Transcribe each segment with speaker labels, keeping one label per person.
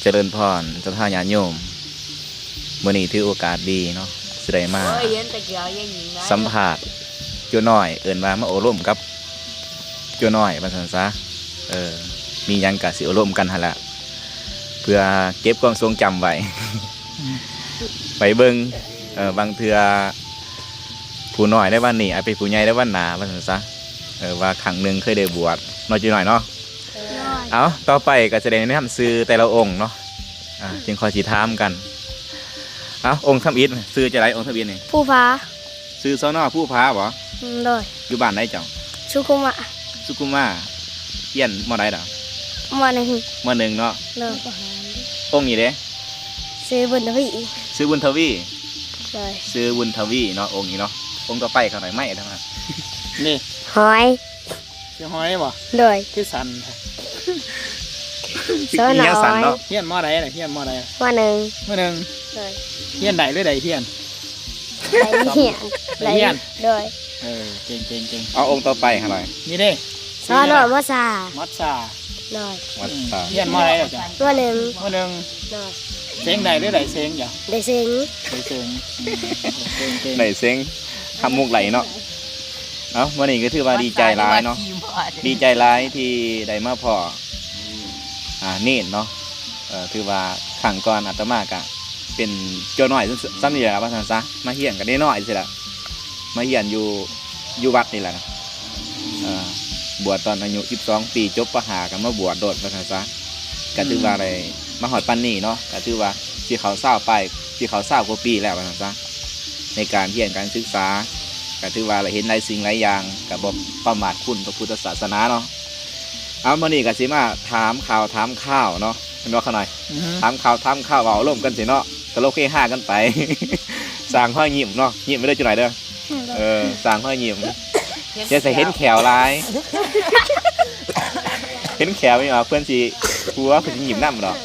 Speaker 1: เจริญพรเจ้าท่าญาติโยมมื้อนี้ถือโอกาสดีเนาะสิได้มาสัมภาษณ์จัวน้อยเอิ้นว่ามาโอร่วมกับจัวน้อยว่าซั่นซะมีหยังก็สิโอร่วมกันหั่นล่ะเพื่อเก็บความทรงจำไว้ ไปเบิ่งบางเทื่อผู้น้อยได้วันนี้อาจเป็นผู้ใหญ่ได้วันหน้าว่าซั่นซะว่าครั้งหนึงเคยได้บวชน้อยจัวน้อยเนาะเอาต่อไปก็จะได้แนะนำซื้อแต่ละองค์เนาะจึงขอสิถามกันเอาองค์ทำอิฐซื้อจะไรองค์ทำอิฐนี่
Speaker 2: ผู้ฟ้า
Speaker 1: ซื้อซ้อนอผู้พาบ่
Speaker 2: โดย
Speaker 1: อยู่บ้านได้เจ้า
Speaker 2: สุขุมะ
Speaker 1: สุกุมาเฮียนมอใดดอก
Speaker 2: มหนึ่ง
Speaker 1: เนาะ
Speaker 2: โดย
Speaker 1: องค์นี้เด้
Speaker 2: ซื้อบุญทวี
Speaker 1: ซื้อบุญทวี
Speaker 2: โดย
Speaker 1: ซื้อบุญทวีเนาะองค์นี้เนาะองค์ต่อไปเขาหน่อยไม่ทั้งนั้น
Speaker 3: นี่
Speaker 2: หอย
Speaker 3: ชื่อหอยบ่
Speaker 2: โดย
Speaker 3: คือสัน
Speaker 2: เสื้อหน่อย
Speaker 1: เนาะ
Speaker 3: เฮียนมอใดน่ะเฮียนมอใด
Speaker 2: มหนึ่ง
Speaker 3: โดยเฮียนใดหรือใดเฮียน
Speaker 2: เฮียนโดย
Speaker 3: เก่ง
Speaker 1: เอาองค์ต่อไปหน่อย
Speaker 3: นี่เด้
Speaker 2: เสื้อหน่อยมัสซาโดย
Speaker 3: เฮียนมอใดล่ะจ้ะ
Speaker 2: มหนึ่ง
Speaker 3: โดยเซ็งใดหรือใดเซ็งจ้ะ
Speaker 2: ได้เซ็ง
Speaker 1: ได้เซ็งทำมุกไหลเนาะเอาวันนี้ก็ถือว่าดีใจร้ายเนาะดีใจร้ายที่ได้มาพอเน่นเนาะถือว่าขังก่อนอาตมากะเป็นโจน้อยซ้ำนี่แหละว่าซั่นซะมาเฮียนกันได้น้อยสิละมาเฮียนอยู่วัดนี่แหละนะบวชตอนอายุ12 ปีจบประหากันมาบวชโดดว่าซั่นซะก็ถือว่าอะไรมาหอดปันนี่เนาะก็ถือว่าที่เขาเศร้าไปที่เขาเศร้ากว่าปีแล้วว่าซั่นซะในการเฮียนการศึกษาก็ถือว่าเราเห็นหลายสิ่งหลายอย่างกับบ่ประมาทคุณพระพุทธศาสนาเนาะเอามานี่ก็สิมาถามข่าวเนาะเป็นว่าขน่อยถามข่าวเอาร่วมกันสิเนาะตลกเฮฮากันไปสร้างห้อยยิ้มเนาะยิ้มไม่ได้จุดไหนเด้อสร้างห้อยยิ้มจะใส่เห็นแขวลายเห็นแขวไม่ออกเพื่อนสิหัวเพื่อนยิ้มน้ำเนาะ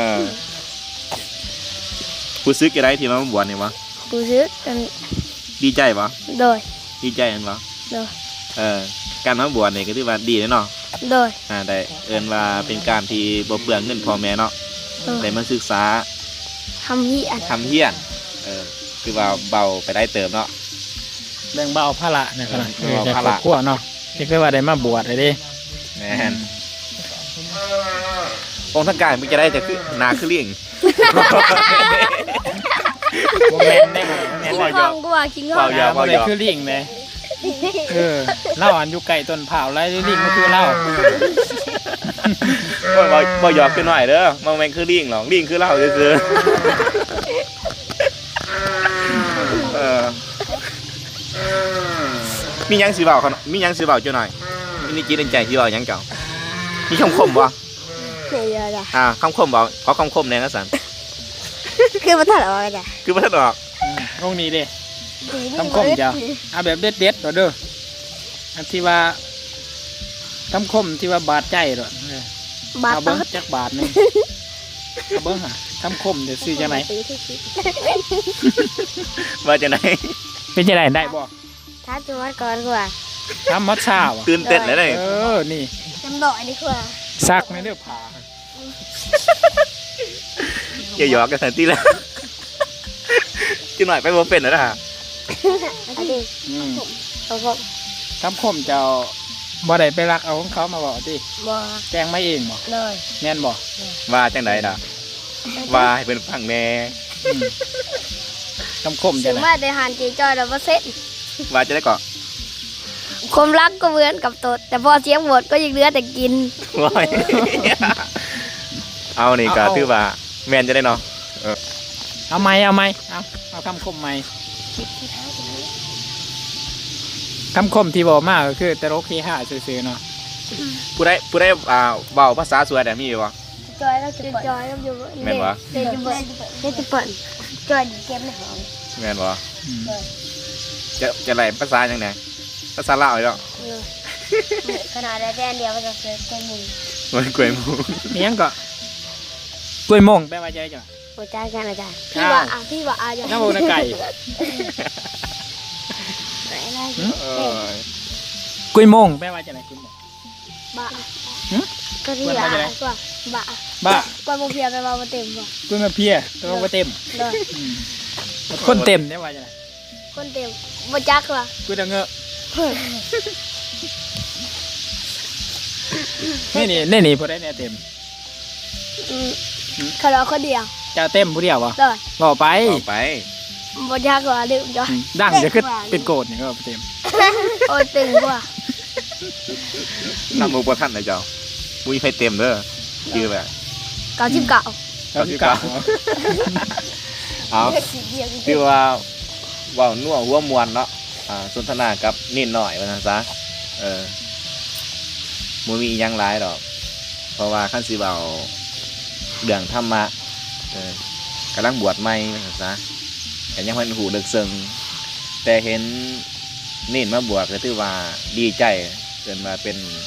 Speaker 1: ผู้ซื้อกี่ไรที่มาบวชเนี่ยวะ
Speaker 2: ผู้ซื้อ
Speaker 1: ดีใจปะ
Speaker 2: โดย
Speaker 1: ดีใจกันปะ
Speaker 2: โดย
Speaker 1: การมาบวชเนี่ยก็ถือว่าดีเนาะ
Speaker 2: โดย
Speaker 1: ได้เอิ้นว่าเป็นการที่บ่เปลืองเงินพ่อแม่เนาะได้มาศึกษา
Speaker 2: ทำเฮีย
Speaker 1: นคือว่าเบาไปได้เติมเนาะ
Speaker 3: แบ่งเบาภาระเนี่ยครับแต่ครอบครัวเนาะที่เคยว่าได้มาบวชเลยดิ
Speaker 1: แม่นองค์ทั้งกายมันจะได้จะคือนาคือเลี้ยง
Speaker 3: โมเมนต์ได้
Speaker 2: บ่กูว่าคิง
Speaker 1: เว้า
Speaker 3: บ่ได้คือลิงเลยเล่าอันอยู่ไก่ต้นเผาไรลิงก็คือเล่า
Speaker 1: บ่หยอกขึ้นหน่อยเด้อมันแม่งคือลิงหรอกลิงคือเล่าซื่อมียังสิเว้ามียังสิเว้าจังหน่อยมีจิตใจที่เว้ายังเจ้ามีคำคมบ่คำคมบ่ขอคำคมแน่นะสัน
Speaker 2: คือบ่ทันออกจ้ะ
Speaker 1: คือบ่ทันออก
Speaker 3: ตรงนี้ดิคำคมเจ้าเอาแบบเด็ดๆเด้ออันที่ว่าคำคมที่ว่าบาดใจหรอบาดเบิ้งจักบาทนึงเอาเบิ้งหะคำคมเดี๋ยวซื้อจะไหน
Speaker 1: ว่าจะไหน
Speaker 3: เป็นจะไหนได้บ่
Speaker 2: ถ้าจังหวัดก่อนกว่า
Speaker 3: ทำมัดชาว่ะ
Speaker 1: ตื่นเต้นเลย
Speaker 3: นี่
Speaker 2: จำดอกนี่กว่า
Speaker 3: ซักในเรื่องผ่า
Speaker 1: อย่าหยอกกันทันทีแล้วจิ๋วหน่อยไปบ่เป็นนะฮะ
Speaker 3: คำคมเจ้าบ่ได้ไปรักเอาของเขามาบอกดิแจ้งไม่เองบ่แน่นบ่
Speaker 1: ว่าจังไดล่ะว่าให้เป็นฟังแน่
Speaker 3: คำคมจะ
Speaker 2: ไหนว่าได้หันจีจอยแล้วบ่เสร็จ
Speaker 1: ว่าจะได้ก่อ
Speaker 2: ความรักก็เหมือนกับตดแต่พอเสียงหมดก็ยังเหลือแต่กิน
Speaker 1: เอานี่ก็ถือว่าแม่นจะได้เนาะ
Speaker 3: เอาไหมเอาคำคมไหมคำคมที่บอกมากก็คือตลกเฮฮาซื่อๆเนาะ
Speaker 1: ผู้ได้เบาภาษาสวยแต่มีอยู่วะ
Speaker 2: จอยแล้วจอยแล้วอยู่
Speaker 1: แม่นวะ
Speaker 2: เด็ดปั่นจอยเก็บในห้อง
Speaker 1: แม่นวะจะอะไรภาษาอย่างไงภาษาลาวเหรอ
Speaker 2: ขนาดได้แค่เดียวก็จะเกิดกล้วยหมู
Speaker 1: มันกล้วยหมู
Speaker 3: มียังก็กล้วยมงแปลว่าใจจ้ะ
Speaker 2: หัวใจกันอาจารย์พี่ว่า
Speaker 3: น้ำมูนไก่กล้วยมงแปลว่าจะไหนกล้วยมง
Speaker 2: บ้าก็ที่ละกว่าบะ
Speaker 3: บ้าก
Speaker 2: ว่าโมเพียไปมาเต็มบ่
Speaker 3: กูมาเพียตัวมาเต็ม
Speaker 2: เลย
Speaker 3: คนเต็มได้ว่าจังได๋
Speaker 2: คนเต็มบ่จักว่ะ
Speaker 3: กูจะเงอะนี่พอได้เนี่ยเต็ม
Speaker 2: เขาเราคนเดียว
Speaker 3: จะเต็มผู้เดียวบ่
Speaker 2: เลย
Speaker 3: บอกไป
Speaker 1: ต่อไป
Speaker 2: บ่จักว่าลืมจ้ะ
Speaker 3: ดังจะขึ้นเป็นโกดนี่ก็เต็ม
Speaker 2: โอ้ยตึงกว่า
Speaker 1: ทำมุกประทันนะเจ้ามุ้ยไฟเต็มเด้อชื่อแบบ
Speaker 2: 99
Speaker 3: เอาที่เก่า
Speaker 1: เอาคือว่าเว่านัวหัวมวนเนาะสนทนากับนิดหน่อยว่านะจ๊ะมุมีอิหยังหลายดอก เพราะว่าขั้นสิเบาเรื่องธรรมะกำลังบวชใหม่ว่านะจ๊ะแต่ยังมันหูเดึกซึ้งแต่เห็นนิดมาบวชก็ถือว่าดีใจเกินมา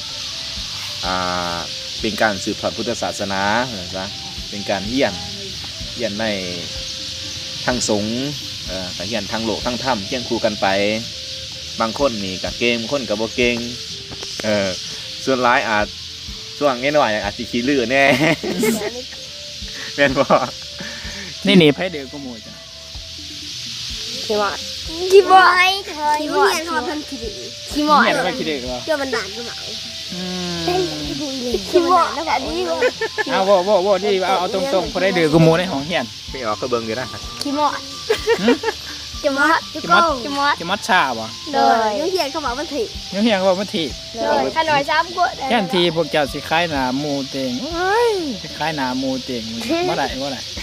Speaker 1: เป็นการสืบทอดพุทธศาสนาว่านะจ๊ะเป็นการเยี่ยนในทางสงฆ์แต่เฮียนทางโลกทางธรรมเที่ยงคู่กันไปบางคนนี่กับเก่งบางคนกับบ่เก่งส่วนร้ายอาจช่วงนี้หน่อยอาจจะขี้ลื่นแน่ แม่นบ่
Speaker 3: นี่ไผเดือกูหมู่จ้ะ
Speaker 2: ขี้หมอดขี้หมอดขี้หมอดขี้หมอด
Speaker 3: เห็นว่าคิดเด้อบ่
Speaker 2: เชื่อมันนานก็มา
Speaker 3: อืม
Speaker 2: ขี้หมอดแล้วก็ดีกว่า
Speaker 3: เอาบ่นี่เอาตรงๆพอได้เดือกูหมู่ในห้องเฮียน
Speaker 1: ไม่ออกก็เบิ่งอยู่นะ
Speaker 2: ขี้หมอดจะมอดจะมอด
Speaker 3: จะมัดชาบ่
Speaker 2: เลยยุ่งเยียนเขาบอกมันถี
Speaker 3: ยังเฮียนก็ว่ามันถีบ
Speaker 2: เลยขน่อยซ้ำกู
Speaker 3: แค่นทีพวกเจ้าสิคล้ายหนาหมูเต็งเอ้ยสิคล้ายหนาหมูเต็งบ่ได้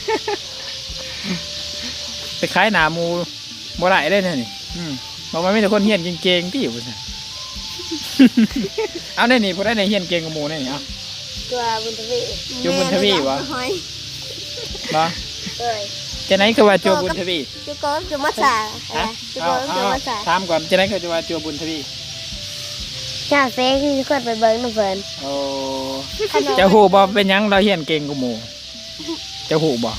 Speaker 3: ไปคล้ายหนาหมูบ่ได้ได้เนี่ยนี่บอกว่ามีแต่คนเฮียนเก่งๆที่อยู่ซั่น เอาได้นี่พอได้ในเฮียนเก่งกับหมูได้นี่เอา
Speaker 2: ตัวบุญทวี
Speaker 3: จูบุญทวีวะบ่
Speaker 2: เลย
Speaker 3: จะไหนก็ว่าจูบุญทวี
Speaker 2: จุกอนจุมัสสา
Speaker 3: ฮะ
Speaker 2: จุก
Speaker 3: เอา
Speaker 2: อนจุมัสสา
Speaker 3: ถามก่อนจะไหนก็จะว่าจูบุญทวี
Speaker 2: จ้าเฟ้ที่เคยไปเบิ้งน้ำเฟิน
Speaker 3: โอ้จะหูบ่เป็นหยังเราเฮียนเก่งกับหมูจะหูบ่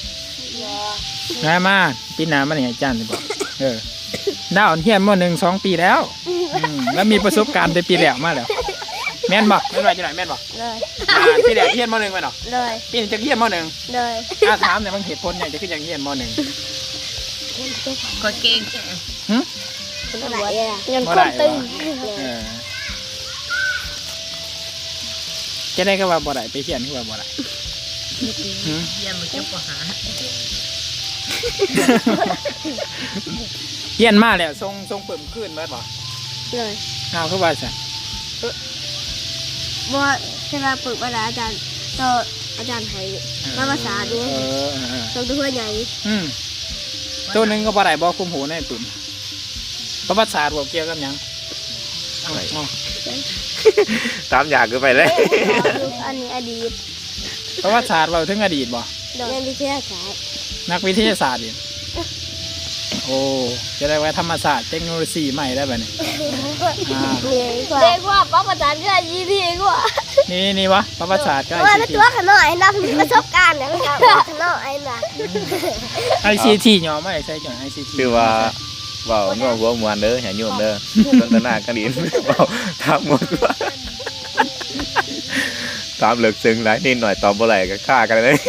Speaker 3: มาปีหน้ามันให้อาจารย์สิบ่ดาวเฮียนม.1 2 ปีแล้วแล้วมีประสบการณ์แต่ปีแล้วมาแล้วแม่นบ่แม่นว่าจังได๋แม่นบ่
Speaker 2: เลย
Speaker 3: ปีแล้วเฮียนม.1แม่นบ่
Speaker 2: เลย
Speaker 3: ปีนี้จะเฮียนม.1
Speaker 2: เลย
Speaker 3: ถามเนี่ยมันเหตุผลอย่างจะขึ้นอย่างเฮียนม.1
Speaker 4: ก็เก่ง
Speaker 2: คนไหนอ่ะเงินคนตึง
Speaker 3: จะได้ก็ว่าบ่ได้ไปเฮียนคือว่าบ่ได้
Speaker 4: เยี่ยมมันจะปหา
Speaker 3: เฮียนมาแล้วทรงเปิ่มขึ้นเบิดบ่
Speaker 2: เลย
Speaker 3: เอาคือว่าซะ
Speaker 2: บ่ใช่ว่าปึกเวลาอาจารย์ต่ออาจารย์ให้มาภาษาดูส่งตัวใหญ่
Speaker 3: ตัวหนึงก็บ่ได้บ่คุมหูในตุ่มประวัติศาสตร์บ่เกี่ยวกับหยัง
Speaker 1: ตามอยากคือไปเลย
Speaker 2: อันนี้อดีต
Speaker 3: ประวัติศาสตร์เว้าถึงอดีตบ่
Speaker 2: เรียนวิทยาศาสตร์
Speaker 3: นักวิทยาศาสตร์อีกโอ้จะได้ว่าธรรมศาสตร์เทคโนโลยีใหม่ได้บัดนี้
Speaker 2: เด็กว่าป้าประจานก็ยี่ที่กว่า
Speaker 3: นี่วะประวัติศาสตร์ก็
Speaker 2: ว่าตัวขน่อยนะประสบการณ์เนี่ยมันขน่อยนะ
Speaker 3: ICT ย่อมาได้ใช้จัง ICT
Speaker 1: คือว่าเว่านัวหัวมวนเด้ออย่าโยมเด้อสนทนากันดินเว้าถามหมดว่าถามเลิกซึ้งหลายนิดหน่อยตอบบ่ไหลก็ฆ่ากันเลย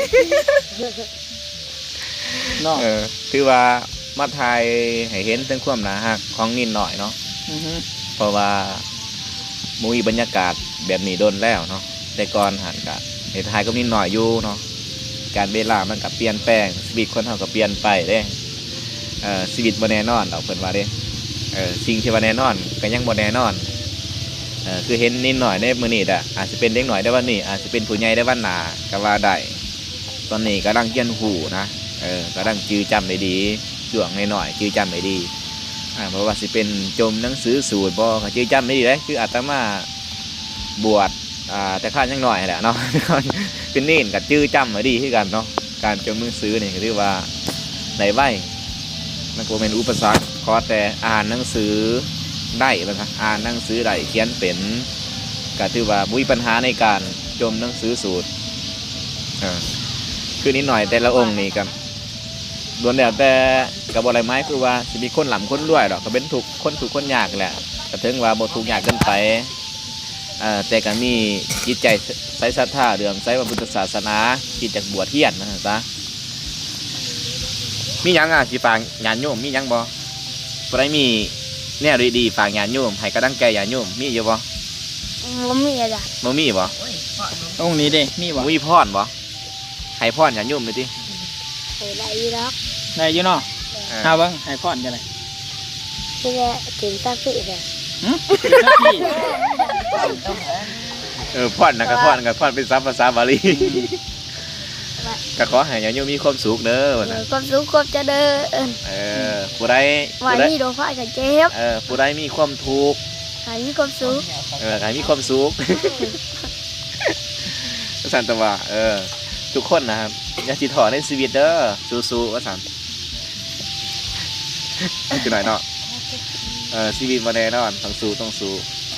Speaker 3: เนาะ
Speaker 1: คือว่ามาทายให้เห็นถึงความหนาหักของนิดหน่อยเนาะเพราะว่ามุ้ยบรรยากาศแบบนี้โดนแล้วเนาะแต่ก่อนหันกันในทายก็นิดหน่อยอยู่เนาะการเวลามันกับเปลี่ยนแปลงชีวิตคนเฮาก็เปลี่ยนไปเด้ชีวิตบ่แน่นอนเอาเพิ่นว่าเด้สิ่งที่ว่าแน่นอนก็ยังบ่แน่นอนคือเห็นนิดหน่อยในมื้อนี้อาจจะเป็นเด็กหน่อยได้วันนี้อาจจะเป็นผู้ใหญ่ได้วันหน้าก็ว่าได้ตอนนี้กำลังเรียนรู้นะกำลังจื้อจำได้ดีช่วงหน่อยๆจื้อจำได้ดีเพราะว่าสิเป็นจมหนังสือสูตรบ่ก็จื้อจำได้ดีเลยคืออาตมาบวชแต่ข้ายังหน่อยแหละเนาะ เป็นเน้นกับจื้อจำมาดีคือกันเนาะการจมหนังสือนี่ก็ถือว่าได้ไวมันก็เป็นอุปสรรคขอแต่อ่านหนังสือได้นะครับอ่านหนังสือได้เขียนเป็นก็ถือว่ามีปัญหาในการจมหนังสือสูตรคือนิดหน่อยแต่ละองค์นี่กันล้วนแล้วแต่กับอะไรไม้คือว่าจะมีคนหล่ำคนรวยหรอกก็เป็นถูกคนยากแหละแต่ถึงว่าบ่ถูกยากเกินไปแต่ก็มีจิตใจใส่ศรัทธาเรื่องใส่พระพุทธศาสนาคิดจากบวชเฮียนนะจ๊ะมีหยังสิฝากญาติโยมมีหยังบ่บ่ได้มีแนวดีๆฝากญาติโยมให้กำลังใจญาติโยมมีอยู่บ่
Speaker 2: บ่มีอาจารย์
Speaker 1: บ่มีบ่
Speaker 4: โอ้ยพ่อหนู
Speaker 3: องค์นี้เด้มีบ่
Speaker 1: บ่มีพรบ่ให้พรญาติโยมเลยติ
Speaker 2: ให้ได้อีหรอก
Speaker 3: ได้อยู่เนาะเอาเบิ่งให้พรจังได๋
Speaker 2: ที่ได้ถึงสักสิเนี่ย
Speaker 3: หึเป็นหน้าที่
Speaker 1: พรนะก็พรเป็นภาษาบาลีก็ขอให้ญาติโยมมีความสุขเด้อว่าซั่น
Speaker 2: ความสุขความเจริญ
Speaker 1: ผู้ใด
Speaker 2: วันนี้โดนฟ้าจะเจ็บ
Speaker 1: ผู้ใดมีความทุกข์
Speaker 2: ให้มีความสุข
Speaker 1: ให้มีความสุข ว่าซั่นแต่ว่าทุกคนนะครับอย่าสิท้อในชีวิตเด้อสู้ๆว่าซั่นคือหน่อยเนาะชีวิตบ่แน่นอนต้องสู้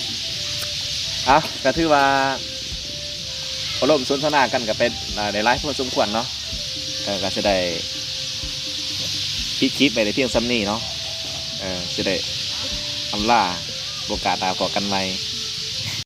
Speaker 1: ก็ถือว่าอารมณ์สนทนากันก็เป็นได้หลายพอสมควรเนาะก็จะได้ปิดคลิปไปในเพียงซ้ำนี้เนาะจะได้อำลาโอกาสตาพอกันใหม่